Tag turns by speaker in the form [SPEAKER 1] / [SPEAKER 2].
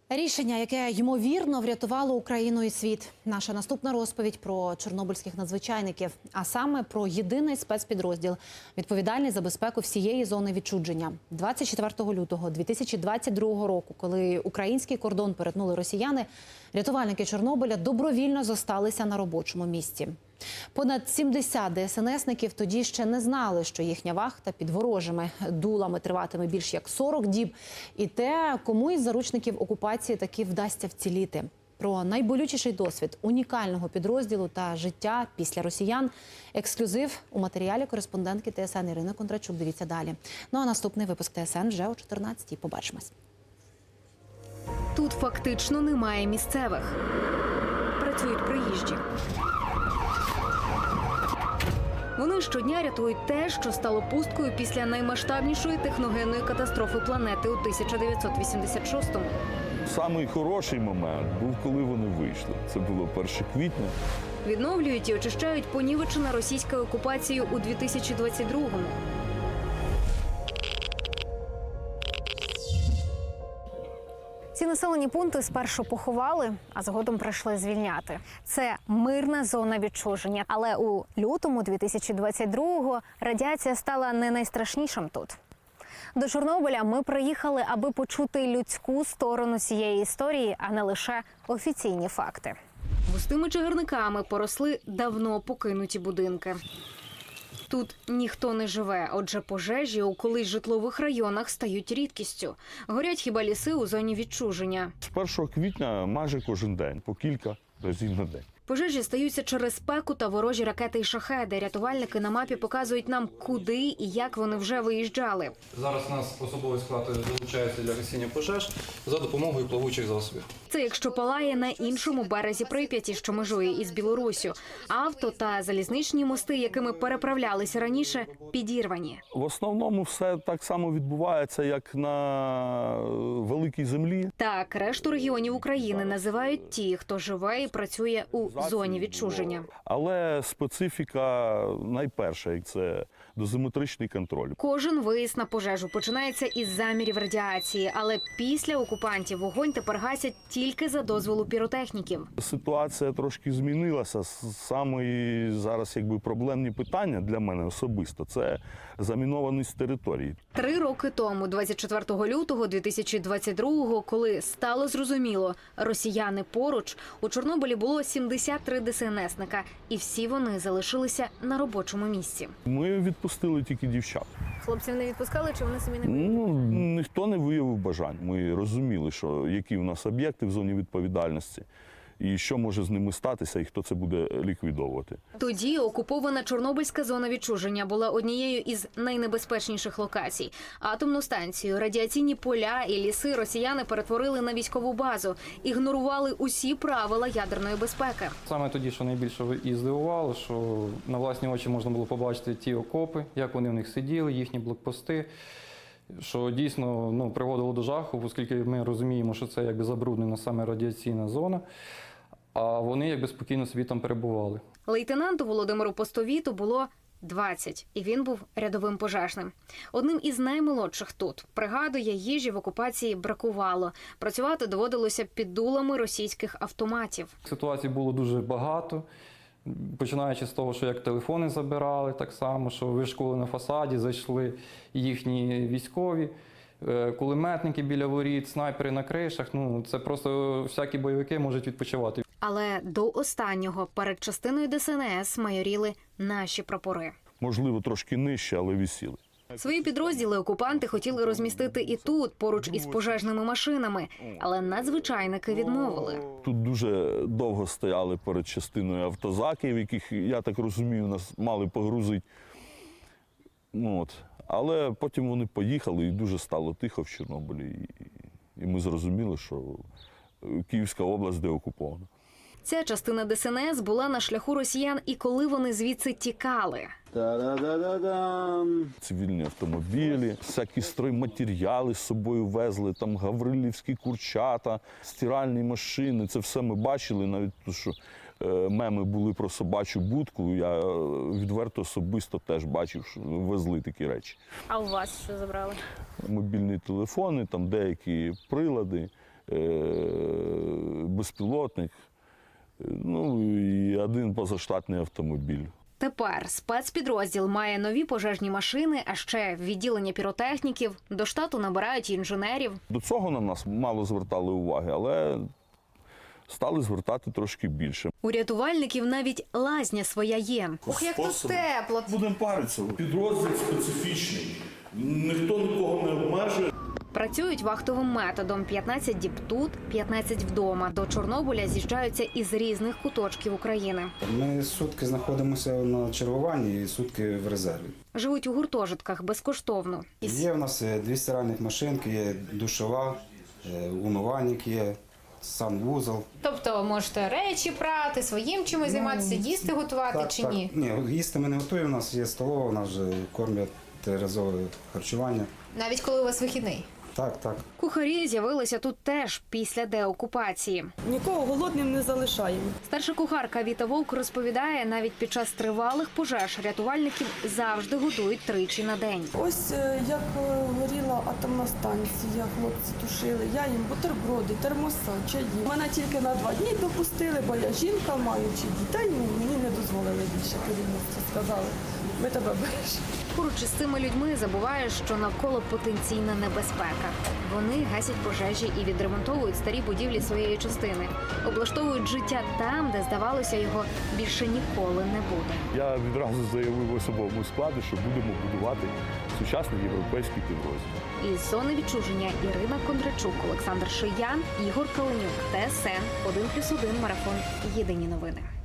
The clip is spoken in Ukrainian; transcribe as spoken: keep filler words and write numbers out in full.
[SPEAKER 1] Рішення, яке, ймовірно, врятувало Україну і світ. Наша наступна розповідь про чорнобильських надзвичайників, а саме про єдиний спецпідрозділ, відповідальний за безпеку всієї зони відчуження. двадцять четвертого лютого дві тисячі двадцять другого року, коли український кордон перетнули росіяни, рятувальники Чорнобиля добровільно зосталися на робочому місці. Понад сімдесят ДСНСників тоді ще не знали, що їхня вахта під ворожими дулами триватиме більш як сорок діб. І те, кому із заручників окупації таки вдасться вціліти. Про найболючіший досвід унікального підрозділу та життя після росіян. Ексклюзив у матеріалі кореспондентки ТСН Ірини Кондрачук. Дивіться далі. Ну а наступний випуск ТСН вже о чотирнадцятій. Побачимось.
[SPEAKER 2] Тут фактично немає місцевих. Працюють приїжджі. Вони щодня рятують те, що стало пусткою після наймасштабнішої техногенної катастрофи планети у тисяча дев'ятсот вісімдесят шостому.
[SPEAKER 3] Самий хороший момент був, коли вони вийшли. Це було перше квітня.
[SPEAKER 2] Відновлюють і очищають понівечене російською окупацією у дві тисячі двадцять другому.
[SPEAKER 4] Ці населені пункти спершу поховали, а згодом прийшли звільняти. Це мирна зона відчуження. Але у лютому дві тисячі двадцять другого радіація стала не найстрашнішим тут. До Чорнобиля ми приїхали, аби почути людську сторону цієї історії, а не лише офіційні факти.
[SPEAKER 2] Густими чагарниками поросли давно покинуті будинки. Тут ніхто не живе, отже пожежі у колись житлових районах стають рідкістю. Горять хіба ліси у зоні відчуження.
[SPEAKER 3] З першого квітня майже кожен день, по кілька разів на день.
[SPEAKER 2] Пожежі стаються через спеку та ворожі ракети і шахеди. Рятувальники на мапі показують нам, куди і як вони вже виїжджали.
[SPEAKER 5] Зараз у нас особовий склад залучається для гасіння пожеж за допомогою плавучих засобів.
[SPEAKER 2] Це якщо палає на іншому березі Прип'яті, що межує із Білоруссю. Авто та залізничні мости, якими переправлялися раніше, підірвані.
[SPEAKER 3] В основному все так само відбувається, як на великій землі.
[SPEAKER 2] Так, решту регіонів України називають ті, хто живе і працює у зоні відчуження.
[SPEAKER 3] Але специфіка найперша – це дозиметричний контроль.
[SPEAKER 2] Кожен виїзд на пожежу починається із замірів радіації, але після окупантів вогонь тепер гасять тільки за дозволу піротехніків.
[SPEAKER 3] Ситуація трошки змінилася. Саме зараз якби проблемні питання для мене особисто – це замінованість території.
[SPEAKER 2] Три роки тому, двадцять четвертого лютого дві тисячі двадцять другого, коли стало зрозуміло, росіяни поруч, у Чорнобилі було сімдесят три ДСНСника, і всі вони залишилися на робочому місці.
[SPEAKER 3] Ми відпустили тільки дівчат.
[SPEAKER 4] Хлопців не відпускали, чи вони самі не
[SPEAKER 3] Ну, ніхто не виявив бажань. Ми розуміли, що які у нас об'єкти в зоні відповідальності, і що може з ними статися, і хто це буде ліквідовувати.
[SPEAKER 2] Тоді окупована Чорнобильська зона відчуження була однією із найнебезпечніших локацій. Атомну станцію, радіаційні поля і ліси росіяни перетворили на військову базу, ігнорували усі правила ядерної безпеки.
[SPEAKER 5] Саме тоді, що найбільше і здивувало, що на власні очі можна було побачити ті окопи, як вони в них сиділи, їхні блокпости, що дійсно ну, приводило до жаху, оскільки ми розуміємо, що це якби забруднена саме радіаційна зона, а вони якби спокійно собі там перебували.
[SPEAKER 2] Лейтенанту Володимиру Постовіту було двадцять, і він був рядовим пожежним. Одним із наймолодших тут. Пригадує, їжі в окупації бракувало. Працювати доводилося під дулами російських автоматів.
[SPEAKER 5] Ситуацій було дуже багато, починаючи з того, що як телефони забирали, так само, що вишколи на фасаді, зайшли їхні військові, кулеметники біля воріт, снайпери на кришах. Ну, це просто всякі бойовики можуть відпочивати.
[SPEAKER 2] Але до останнього перед частиною ДСНС майоріли наші прапори.
[SPEAKER 3] Можливо, трошки нижче, але висіли.
[SPEAKER 2] Свої підрозділи окупанти хотіли розмістити і тут, поруч із пожежними машинами. Але надзвичайники відмовили.
[SPEAKER 3] Тут дуже довго стояли перед частиною автозаків, яких, я так розумію, нас мали погрузити. Ну, от. Але потім вони поїхали і дуже стало тихо в Чорнобилі. І ми зрозуміли, що Київська область деокупована.
[SPEAKER 2] Ця частина ДСНС була на шляху росіян і коли вони звідси тікали.
[SPEAKER 3] Та-да-да-да-дам. Цивільні автомобілі, всякі стройматеріали з собою везли, там гаврилівські курчата, стиральні машини. Це все ми бачили, навіть то, що е, меми були про собачу будку. Я відверто особисто теж бачив, що везли такі речі.
[SPEAKER 4] А у вас що забрали?
[SPEAKER 3] Мобільні телефони, там деякі прилади, безпілотник, ну і один позаштатний автомобіль.
[SPEAKER 2] Тепер спецпідрозділ має нові пожежні машини, а ще відділення піротехніків. До штату набирають інженерів.
[SPEAKER 3] До цього на нас мало звертали уваги, але стали звертати трошки більше.
[SPEAKER 2] У рятувальників навіть лазня своя є.
[SPEAKER 4] Ох, як тут тепло.
[SPEAKER 3] Будемо паритися. Підрозділ специфічний. Ніхто нікого не обмежує.
[SPEAKER 2] Працюють вахтовим методом. п'ятнадцять діб тут, п'ятнадцять вдома. До Чорнобиля з'їжджаються із різних куточків України.
[SPEAKER 6] Ми сутки знаходимося на чергуванні і сутки в резерві.
[SPEAKER 2] Живуть у гуртожитках безкоштовно.
[SPEAKER 6] Є в нас дві стиральних машинки, є душова, е, умивальник є, санвузол.
[SPEAKER 4] Тобто ви можете речі прати, своїм чимось займатися, їсти готувати чи ні?
[SPEAKER 6] Ні, їсти ми не готуємо, у нас є столова, у нас вже кормять разове харчування.
[SPEAKER 4] Навіть коли у вас вихідний?
[SPEAKER 6] Так, так.
[SPEAKER 2] Кухарі з'явилися тут теж після деокупації.
[SPEAKER 7] Нікого голодним не залишаємо.
[SPEAKER 2] Старша кухарка Віта Вовк розповідає, навіть під час тривалих пожеж рятувальників завжди готують тричі на день.
[SPEAKER 7] Ось е, як е, горіла атомна станція, хлопці тушили, я їм бутерброди, термоса, чаї. Мене тільки на два дні допустили, бо я жінка, маючи дітей, ну, мені не дозволили більше керівництво. Сказали, ми тебе бережемо.
[SPEAKER 2] Поруч із цими людьми забуваєш, що навколо потенційна небезпека. Вони гасять пожежі і відремонтовують старі будівлі своєї частини. Облаштовують життя там, де, здавалося, його більше ніколи не буде.
[SPEAKER 3] Я відразу заявив особовому складу, що будемо будувати сучасний європейський підрозділ.
[SPEAKER 2] Із зони відчуження Ірина Кондрачук, Олександр Шиян, Ігор Каленюк, Т С Н один плюс один марафон. Єдині новини.